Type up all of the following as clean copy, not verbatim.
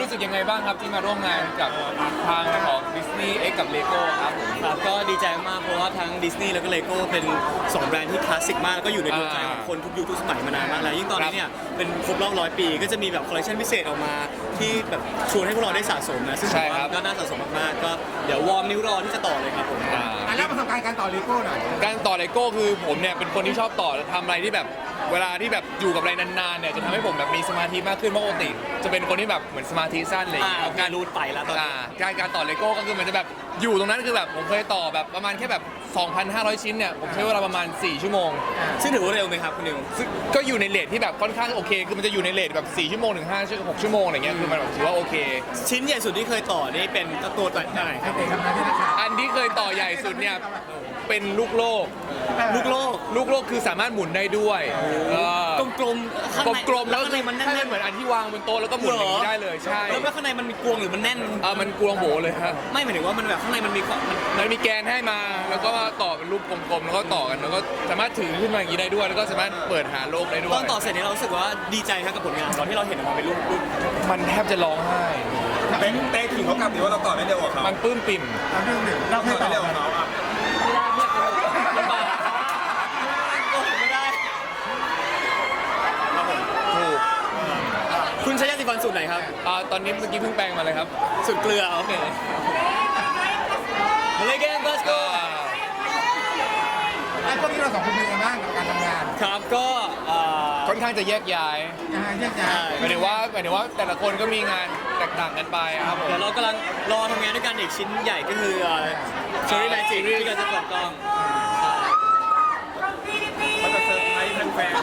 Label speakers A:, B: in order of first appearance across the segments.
A: รู้สึกยังไงบ้างครับที่มาร่วมงานกับทางของ Disney X กับ Lego ครับ
B: ครับก็ดีใจมากเพราะว่าทั้งดิสนีย์แล้วก็เลโก้เป็น2แบรนด์ที่คลาสสิกมากแล้วก็อยู่ในดวงใจของคนทุกยุคทุกสมัยมานานมากแล้วยิ่งตอนนี้เนี่ยเป็นครบรอบ100 ปีก็จะมีแบบคอลเลคชันพิเศษออกมาที่แบบชวนให้พวกเราได้สะสมนะซึ่งผมว่าก็น่าสะสมมากๆก็เดี๋ยววอร์มนิ้วรอที่จะต่อเลยครับผม
C: แล้วประสบการณ์การต่อเลโก้หน่อย
A: การต่อ Lego คือผมเนี่ยเป็นคนที่ชอบต่อทำอะไรที่แบบเวลาที่แบบอยู่กับอะไรนานๆเนี่ยจะทำให้ผมแบบมีสมาธิมากขึ้นเพราะปกติจะเป็นคนที่แบบเหมือนสมาธิสั้นเลย
B: การรูดไปแล้วตอนนี้
A: การต่อ Lego ก็คือมันจะแบบอยู่ตรงนั้นคือแบบผมเคยต่อแบบประมาณแค่แบบ 2,500 ชิ้นเนี่ยผมใช้เวลาประมาณ4ชั่วโมง
B: ซึ่งถือว่าเร็วไหมครับคุณนิว
A: ก็อยู่ในเรทที่แบบค่อนข้างโอเคคือมันจะอยู่ในเรทแบบ4ชั่วโมงถึง6ชั่วโมงอะไรเงี้ยคือมันแบบถือว่าโอเค
B: ชิ้นใหญ่สุดที่เคยต่อนี่เป็นตัวไหนครับ
A: อันที่เคยต่อใหญ่สุดเนี่ยเป็นลูกโลกคือสามารถหมุนได้ด้วย
B: กลม
A: กลมแล้วมันแน่นเหมือนอันที่วางบนโต๊ะแล้วก็หมุนอย่างนี้ได้เลยใช่
B: แล้วข้างในมันมีกลวงหรือมันแน่น
A: มันกลวงโบเลยครับ
B: ไม่หมายถึงว่ามันแบบข้างในมัน
A: มีแกนให้มาแล้วก็ต่อเป็นรูปกลมๆแล้วก็ต่อกันแล้วก็สามารถถือขึ้นมาอย่างนี้ได้ด้วยแล้วก็สามารถเปิดหาโลกได้ด้วย
B: ตอนต่อเสร็จนี้เรารู้สึกว่าดีใจครับกับผลงานตอนที่เราเห็นออกมาเป็นรูป
A: มันแทบจะร้องไห้
D: เต้ขิงเขากลับหรือว่าเราต่อได้เร็วกว่าเขา
A: มันปลื้มปิ่ม
C: เราเคยต่อ
D: เร็วกว่าเขา
B: ไม่ได้
A: ถูก
B: คุณใช้ยาสีฟันสูตรไหนครับ
A: ตอนนี้เมื่อกี้เพิ่งแปลงมาเลยครับ
B: สูตรเกลือโอเคมาเลยเกมบัสโก้
C: ไอ้พวกนี้เรา2 คนเป็นยังไงบ้างกับการทำงาน
B: ครับก็
A: ค่อนข้างจะแยกย้ายหมายถึงว่าแต่ละคนก็มีงานแตกต่างกันไปครับผม
B: เดี๋ยวเรากำลังรอทำงานด้วยกันอีกชิ้นใหญ่ก็คือเชอรี่แมจิกที่กำลังจะเปิดกล้อง
D: เขาจะเซอร์ไพรส์แฟน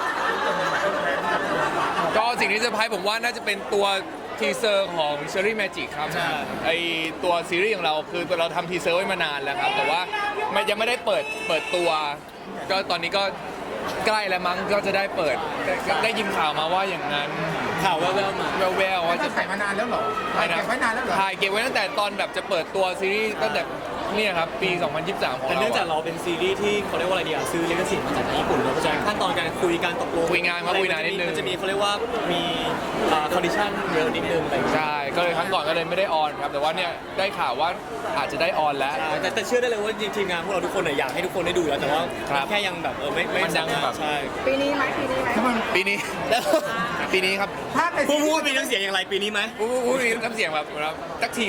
A: ก็สิ่งที่เซอร์ไพรส์ผมว่าน่าจะเป็นตัวทีเซอร์ของ Cherry Magic ครับไอตัวซีรีส์ของเราคือเราทำทีเซอร์ไว้มานานแล้วครับแต่ว่ายังไม่ได้เปิดตัวก็ตอนนี้ก็ใกล้แล้วมั้งก็จะได้เปิดได้ยินข่าวมาว่าอย่างนั้น
B: ข่าวแว่วๆมา
A: แว่วๆว่า
C: จะถ่ายมานานแล้วเหรอถ่ายเก็บไว้นานแล้วเหรอ
A: ถ่ายเก็บไว้ตั้งแต่ตอนแบบจะเปิดตัวซีรีส์ตั้งแต่เนี่ยครับปี 2023 ของเรา
B: แต่เนื่องจากเราเป็นซีรีส์ที่เขาเรียกว่าอะไรดีซื้อลิขสิทธิ์มาจากญี่ปุ่นเราก็จะขั้นตอนการคุยการตกลง
A: คุยงานนิดนึง
B: มันจะมีเขาเรียกว่ามีคอนดิชั่นเยอะนิดนึงอะไร
A: ใช่ก็เลยครั้งก่อนก็เลยไม่ได้ออนครับแต่ว่าเนี่ยได้ข่าวว่าอาจจะได้ออนแล้ว
B: แต่เชื่อได้เลยว่าทีมงานพวกเราทุกคนอยากให้ทุกคนได้ดูแล้วแต่ว่าแค่ยังแบบไม่
A: ยังแบบ
B: ใช่
E: ปีนี้ไหม
A: ปีนี้ครับ
B: พูดมีน้ำเสียงอย่างไรปีนี้ไหม
A: พูดมีน้ำเสียงแบบสักที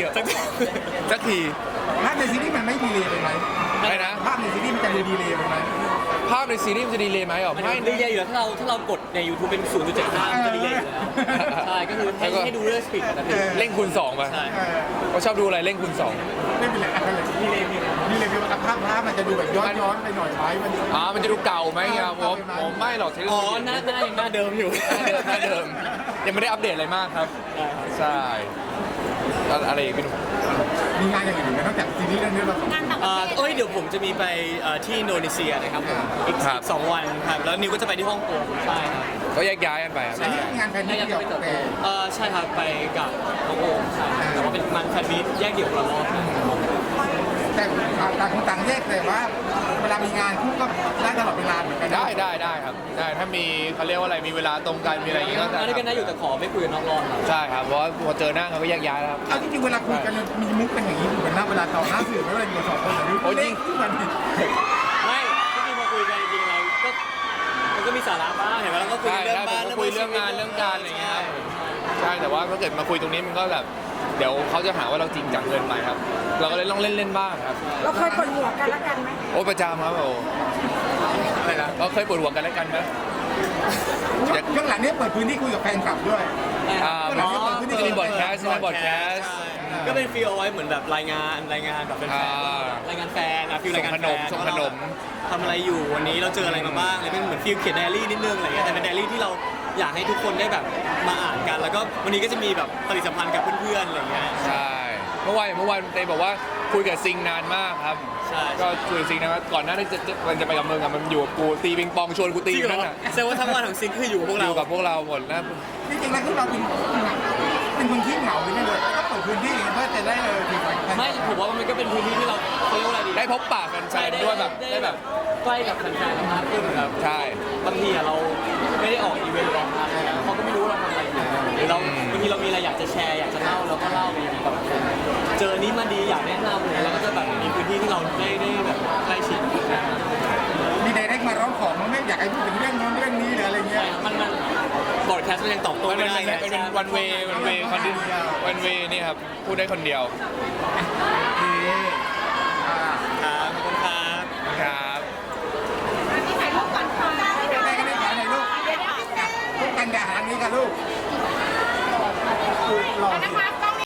C: ภาพในซีรีส์มันไม่ดีเลยไหม
A: อะไรนะ
C: ภาพในซีรีส์มันจะดีเลยไหม
A: ภาพในซีรีส์มันจะดีเลยไหมอ๋อ
B: ไม่ดีเลยอยู่แล้วถ้าเรากดใน YouTube เป็น 0.75 มันจะดีเลยอยู่แล้วใช่ก็คือให้ดูเรื่องสปีดนะพี่
A: เร่งคูณ2ป่ะเขาชอบดูอะไรเร่งคูณ2
C: ไม่เป็นไรนี่เลยพี่ว่าภาพมันจะดูแบบย้อนไปหน่อยไหม
A: มันจะดูเก่าไหมครับผมไม่หรอก
B: หน้าเดิมอยู่
A: หน้าเดิมยังไม่ได้อัปเดตอะไรมากครับใช่อะไรอีกพี่หนุ่ม
C: มีงานอย่างอื่นไหมนอกจากซีรีส์เรื่องนี้เรา
B: เดี๋ยวผมจะมีไปที่อินโดนีเซียนะครับอีก2 วันครับแล้วนิวก็จะไปที่ฮ่องกงใช่ครับ
A: ก็แยกย้ายกันไปครับ
C: งานแฟนมิตเดี่ยว
B: ใช่ครับไปกับฮ่องกงใช่แต่ว่าเป็นมันแฟนมิตแยกเดี่ยวคนละรอบ
C: แต่ต่างแยกแต่ว่าเวลามีงานคู่ก็ได้ตลอดเวลาเหมือนกัน
A: ได้ครับได้ถ้ามีเขาเรียกว่าอะไรมีเวลาตรงกันมีอะไรอย่างงี้ก็
B: ได้ด้วยกันได้อยู่แต่ขอไม่คุยนอกรอบ
A: ใช่ครับเพราะพอเจอหน้าเขาก็แยกย้ายแล้ว
C: เอาจริงๆเวลาคุยกันมีมุกเป็นอย่างนี้เหมือนหน้าเวลาต่อหน้าสื่อไม่ว่าอยู่2 คนหรือเล่นขึ้นมา
B: ไม่ที่พอคุยกันจริงๆเราก็มันก็มีสาระบ้างเห็นไหมเราก็คุยเรื่องบ้าน
A: คุยเรื่องงานเรื่องการอะไรเงี้ยใช่แต่ว่าถ้าเกิดมาคุยตรงนี้มันก็แบบเดี๋ยวเขาจะหาว่าเราจริงจังเกินไปครับเราก็เลยต้องเล่นบ้างครับ
E: เราเคยปวดหัวกันแล้วกันไหม
A: โอ้ประจำครับอะไรนะเราเคยปวดหัวกันแล้วกันไหม
C: ช่วงหลังนี้เปิดพื้นที่คุยกับแฟนคลับด้วย
A: จะมีบอดแคสต์ใช่ไหมบอดแคสต์
B: ก็เป็นฟีลเอาไว้เหมือนแบบรายงานแบบเป็นแฟนรายงานแฟนฟีลรายงานแฟน
A: ส่งขนม
B: ทำอะไรอยู่วันนี้เราเจออะไรมาบ้างอะไรเป็นเหมือนฟีลเขียนไดอารี่นิดนึงอะไรเงี้ยแต่เป็นไดอารี่ที่เราอยากให้ทุกคนได้แบบมาอ่านกันแล้วก็วันนี้ก็จะมีแบบปฏิสัมพันธ์กับเพื่อนๆอะไรเงี้ย
A: ใช่เมื่อวานเตยบอกว่าคุยกับซิงนานมากครับก็คุยซิงนะก่อนหน้าที่จะไปกับมึงมันอยู่กับกูตีปิงปองชวนกูตีนั่นน่ะ
B: แสดงว่าทั้งวันของซิงคืออยู่กับพวก
A: เราหมดนะ
C: จริงๆแล้วคือเราเป็นคนที่เหงาไม่เลยก็เปิดพื้นที่เพื่อจะได้
B: ไม่ผมว่ามันก็เป็นพื้นที่ที่เราเรียกว่าอะไรดี
A: ได้พบปะแฟนๆด้วยแบบได้แบบ
B: ใกล้กับแฟนๆมากขึ้นแบบ
A: ใช่
B: บางทีเราไม่ได้ออกอีเวนต์หรอกเขาก็ไม่รู้เราทำอะไรอยู่หรือเราบางทีทีเรามีอะไรอยากจะแชร์อยากจะเล่าเราก็เล่าไปอย่างแบบเจอนี้มาดีอยากแนะนำเลยแล้วก็จะแบบมีพื้นที่ที่เราได้แบบใกล้ชิด
C: มีไดเรกมาร้องขอมันไม่อยากให้พูดถึงเรื่องโน้นเรื่องนี้หรืออะไรเงี้ย
B: มันบอร์ดแคสต์มันยังตอบโต้
A: มัน
B: ไม่
A: เป็น
B: ได้ไง
A: เป็นวันเวคนเดียววันเวนี่ครับพูดได้คนเดียว
C: โอเค